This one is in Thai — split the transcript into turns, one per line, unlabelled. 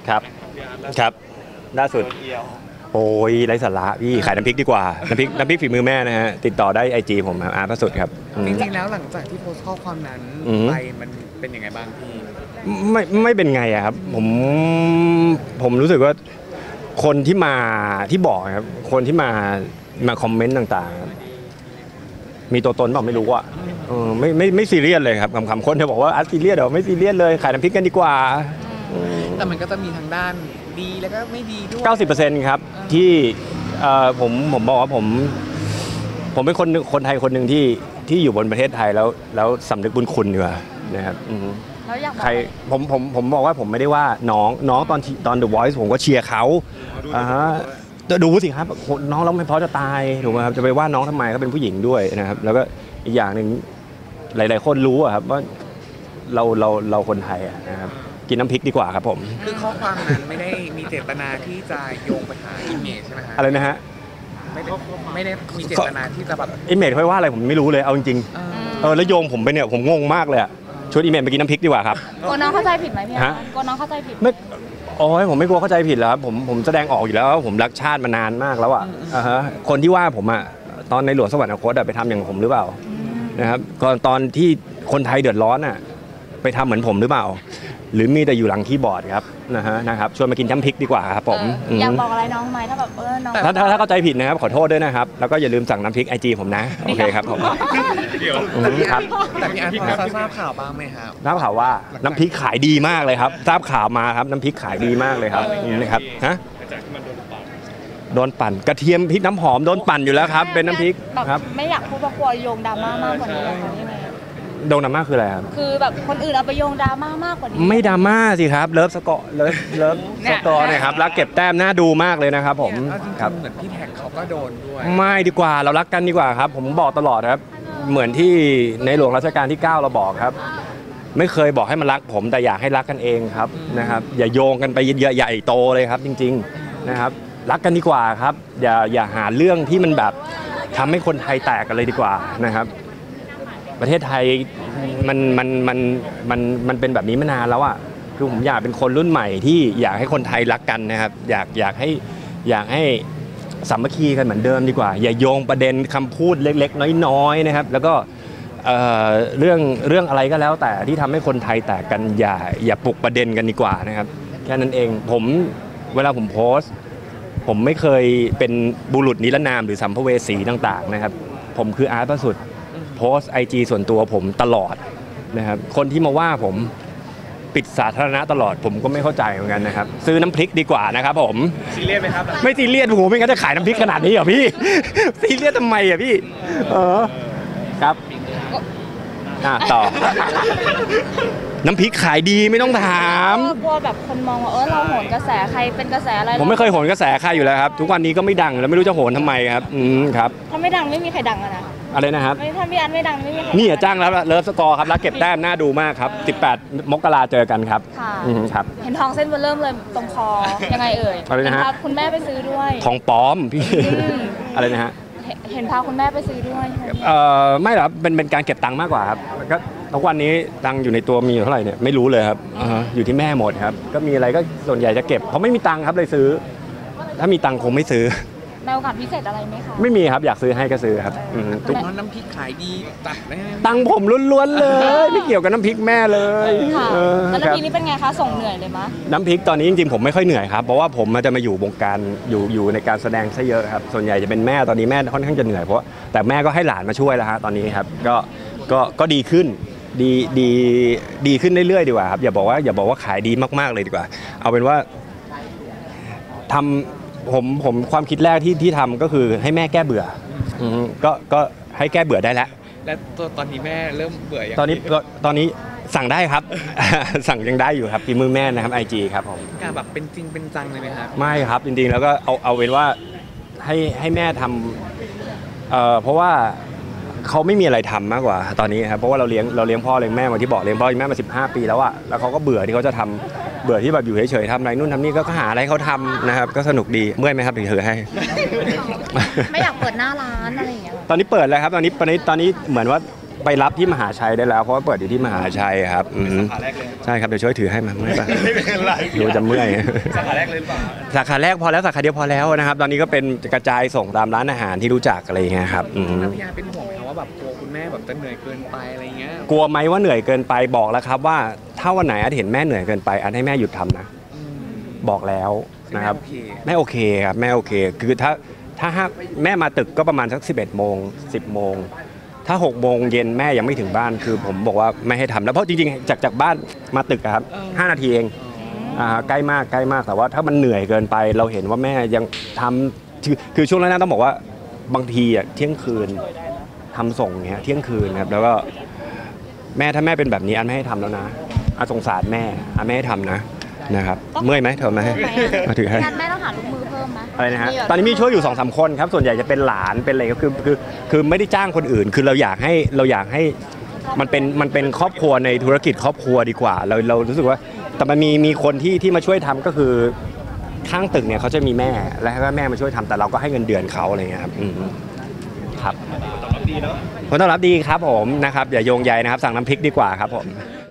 ครับครับล่าสุดโอ้ยไร้สาระพี่ขายน้ำพริกดีกว่าน้ำพริกฝีมือแม่นะฮะติดต่อได้IGผมครับอาร์ตพระสุดครับ
จริงๆแล้วหลังจากที่โพสต์ข้อความนั้นไปมันเป็นยังไงบ้างพี่
ไม่เป็นไงอะครับผมรู้สึกว่าคนที่บอกครับคนที่มาคอมเมนต์ต่างๆมีตัวตนเปล่าไม่รู้อะไม่ซีเรียสเลยครับคำคนเธอบอกว่าซีเรียสเดี๋ยวไม่ซีเรียสเลยขายน้ำพริกกันดีกว่า
แต่มันก็จะมีทางด้านดีแล้วก็ไม่ดีด้วย
90%ครับที่ผมบอกว่าผมเป็นคนไทยคนหนึ่งที่อยู่บนประเทศไทยแล้วสำนึกบุญคุณดีกว่านะครับใครผมบอกว่าผมไม่ได้ว่าน้องตอน The Voice ผมก็เชียร์เขาดูสิครับน้องร้องไม่เพราะจะตายถูกไหมครับจะไปว่าน้องทำไมเขาเป็นผู้หญิงด้วยนะครับแล้วก็อีกอย่างหนึ่งหลายๆคนรู้ครับว่าเราคนไทยนะครับกินน้ำพริกดีกว่าครับผม
คือข้อความนั้นไม่ได้มีเจตนาที่จะโยงไปหาอิมเมจใช่ไหมฮะ
อะไรนะฮะ
ไม่ได้มีเจตนาที่จะแบบ
อิมเมจค่อยว่าอะไรผมไม่รู้เลยเอาจริงๆแล้วโยงผมไปเนี่ยผมงงมากเลยชวนอิมเมจไปกินน้ำพริกดีกว่าครับ
กลัวน้องเข้าใจผิดไหมพี่ฮะกลัวน้องเข้าใจผิด
ไม่โอ้ยผมไม่กลัวเข้าใจผิดแล้วผมแสดงออกอยู่แล้วผมรักชาติมานานมากแล้วคนที่ว่าผมตอนในหลวงสวรรคตไปทำอย่างผมหรือเปล่านะครับตอนที่คนไทยเดือดร้อนไปทำเหมือนผมหรือเปล่าหรือมีแต่อยู่หลังคีย์บอร์ดครับนะครับชวนมากินน้ำพริกดีกว่าครับผม
อยากบอกอะไรน้องไหมถ้าแบบน้อง
ถ้าเข้าใจผิดนะครับขอโทษด้วยนะครับแล้วก็อย่าลืมสั่งน้ำพริกIGผมนะโอเคครับผม
ครับแต่พี่อาร์ตพอทราบข่าวบ้างไหมครับ
ทราบข่าวว่าน้ำพริกขายดีมากเลยครับทราบข่าวมาครับน้ำพริกขายดีมากเลยครับนะครับโดนปั่นกระเทียมพริกน้ำหอมโดนปั่นอยู่แล้วครับเป็นน้ำพริกครับ
ไม่อยากพูดว่ากลัวโยงดราม่ามากกว่านี้เลย
โดนดราม่าคืออะไรครับ
คือแบบคนอื่นเอาไปโยงดราม่ามากกว่านี้
ไม่ดราม่าสิครับเลิฟสกอร์เนี่ยครับรักเก็บแต้มน่าดูมากเลยนะครับผม
ครับเหมือนพี่แท็กเขาก็โดนด้วย
ไม่ดีกว่าเรารักกันดีกว่าครับผมบอกตลอดครับเหมือนที่ในหลวงรัชกาลที่9เราบอกครับไม่เคยบอกให้มันรักผมแต่อยากให้รักกันเองครับนะครับอย่าโยงกันไปใหญ่โตเลยครับจริงๆนะครับรักกันดีกว่าครับอย่าหาเรื่องที่มันแบบทำให้คนไทยแตกกันเลยดีกว่านะครับประเทศไทยมันเป็นแบบนี้มานานแล้วคือผมอยากเป็นคนรุ่นใหม่ที่อยากให้คนไทยรักกันนะครับอยากให้สามัคคีกันเหมือนเดิมดีกว่าอย่าโยงประเด็นคำพูดเล็กๆน้อยๆนะครับแล้วก็เรื่องอะไรก็แล้วแต่ที่ทำให้คนไทยแตกกันอย่าปลุกประเด็นกันดีกว่านะครับแค่นั้นเองเวลาผมโพสต์ผมไม่เคยเป็นบุรุษนิรนามหรือสัมภเวสีต่างๆนะครับผมคืออาร์ตพระสุดโพสต์ IG ส่วนตัวผมตลอดนะครับคนที่มาว่าผมปิดสาธารณะตลอดผมก็ไม่เข้าใจเหมือนกันนะครับซื้อน้ำพริกดีกว่านะครับผม
ซีเรียสไหมครับ
ไม่ซีเรียสโอ้โหไม่งั้นจะขายน้ำพริกขนาดนี้เหรอพี่ซีเรียสทำไมพี่ครับต่อน้ำพริกขายดีไม่ต้องถาม
กลัวแบบคนมองว่าเราโหนกระแสใครเป็นกระแสอะไร
ผมไม่เคยโหนกระแสใครอยู่แล้วครับทุกวันนี้ก็ไม่ดังแล้วไม่รู้จะโหนทำไมครับครับ
ถ้าไม่ดังไม่มีใครดังนะ
อะไรนะครับ
ถ้าพี่อันไม่ดังไม่มีใคร
นี่จ้างแล้วเลิฟสกอร์ครับรักเก็บแต้มน่าดูมากครับ18 มกราเจอกันครับครับ
เห็นทองเส้นเริ่มเลยตรงคอยังไงเอ่ย
อะไรนะฮะ
คุณแม่ไปซื้อด้วย
ทองปลอมพี่อะไรนะฮะ
เห็นพาคุณแม่ไปซื้อด้วย
ไม่หรอกเป็นการเก็บตังค์มากกว่าครับก็ทุกวันนี้ตังค์อยู่ในตัวมีอยู่เท่าไหร่เนี่ยไม่รู้เลยครับอยู่ที่แม่หมดครับก็มีอะไรก็ส่วนใหญ่จะเก็บเพราะไม่มีตังค์ครับเลยซื้อถ้ามีตังค์คงไม่ซื้อ
ในโอกาสพิเศษอะไรไหมคะ
ไม่มีครับอยากซื้อให้ก็ซื้อครับ
ตุ๊กน้ำพริกขายดี
ตังค์ผมล้วนๆเลยไม่เกี่ยวกับน้ำพริกแม่เลย
แล้วน้ำพริกนี่เป็นไงคะส่งเหนื่อยเลยมั้ย
น้ำพริกตอนนี้จริงๆผมไม่ค่อยเหนื่อยครับเพราะว่าผมจะมาอยู่วงการอยู่ในการแสดงซะเยอะครับส่วนใหญ่จะเป็นแม่ตอนนี้แม่ค่อนข้างจะเหนื่อยเพราะแต่แม่ก็ให้หลานมาช่วยแล้วฮะตอนนี้ครับก็ดีขึ้นดีขึ้นเรื่อยๆดีกว่าครับอย่าบอกว่าขายดีมากๆเลยดีกว่าเอาเป็นว่าทำผมความคิดแรกที่ทำก็คือให้แม่แก้เบื่อก็ให้แก้เบื่อได้แล้ว
และตอนนี้แม่เริ่มเบื่อยัง
ตอนนี้สั่งได้ครับ สั่งยังได้อยู่ครับฝีมือแม่นะครับ IG ครับผม
การแบบเป็นจริงเป็นจังเลยไหมครับ
ไม่ครับจริงๆแล้วก็เอาเป็นว่าให้แม่ทำเพราะว่าเขาไม่มีอะไรทำมากกว่าตอนนี้ครับเพราะว่าเราเลี้ยงพ่อเลี้ยงแม่มาที่บอกเลี้ยงพ่อเลี้ยงแม่มา15 ปีแล้วแล้วเขาก็เบื่อที่เขาจะทำเบื่อที่แบบอยู่เฉยๆทำอะไรนู่นทำนี่ก็หาอะไรเขาทำนะครับก็สนุกดีเมื่อยไหมครับถือให้
ไม่อยากเปิดหน้าร้านอะไรอย่างเงี้ย
ตอนนี้เปิดแล้วครับตอนนี้เหมือนว่าไปรับที่มหาชัยได้แล้วเพราะว่าเปิดอยู่ที่มหาชัยครับ
สาขาแรกเลย
ใช่ครับเดี๋ยวช่วยถือให้มาไม่เป็นไร
ไร
ดูจะเมื่อย
สาขาแรกเลยหรือเปล่า
สาขาแรกพอแล้วสาขาเดียวพอแล้วนะครับตอนนี้ก็เป็นกระจายส่งตามร้านอาหารที่รู้จักอะไรอย่างเงี้ยครับ
แล้วพี่อาร์เป็นห่วงไหมครับว่าแบบกลัวคุณแม่แบบจะเหนื่อยเกินไปอะไรเงี้ย
กลัวไหมว่าเหนื่อยเกินไปบอกแล้วครับว่าถ้าวันไหนอาจเห็นแม่เหนื่อยเกินไปอาจให้แม่หยุดทำนะบอกแล้วนะครับแม่โอเคครับแม่โอเคคือถ้าแม่มาตึกก็ประมาณสัก11 โมง 10 โมงถ้า6 โมงเย็นแม่ยังไม่ถึงบ้านคือผมบอกว่าไม่ให้ทำแล้วเพราะจริงๆจากบ้านมาตึกอะครับ5 นาทีเองใกล้มากแต่ว่าถ้ามันเหนื่อยเกินไปเราเห็นว่าแม่ยังทำคือช่วงแรกๆต้องบอกว่าบางทีเที่ยงคืนทำส่งเงี้ยเที่ยงคืนครับแล้วก็แม่ถ้าแม่เป็นแบบนี้อันไม่ให้ทำแล้วนะสงสารแม่ไม่ให้ทำนะครับเมื่อยไหมเธอไหมมาถือให้
งานแม่ต้องหาลูกมือเพิ่มไหม
อะไรนะฮะตอนนี้มีช่วยอยู่ 2-3 คนครับส่วนใหญ่จะเป็นหลานเป็นอะไรก็คือไม่ได้จ้างคนอื่น คือเราอยากให้มันเป็นครอบครัวในธุรกิจครอบครัวดีกว่าเรารู้สึกว่าแต่มันมีคนที่มาช่วยทำก็คือข้างตึกเนี่ยเขาจะมีแม่แล้วก็แม่มาช่วยทำแต่เราก็ให้เงินเดือนเขาอะไรเงี้ยครับครับผลตอบรับดีเนาะผลตอบรับดีครับผมนะครับอย่าโยงใยนะครับสั่งน้ำพริกดีกว่าครับผม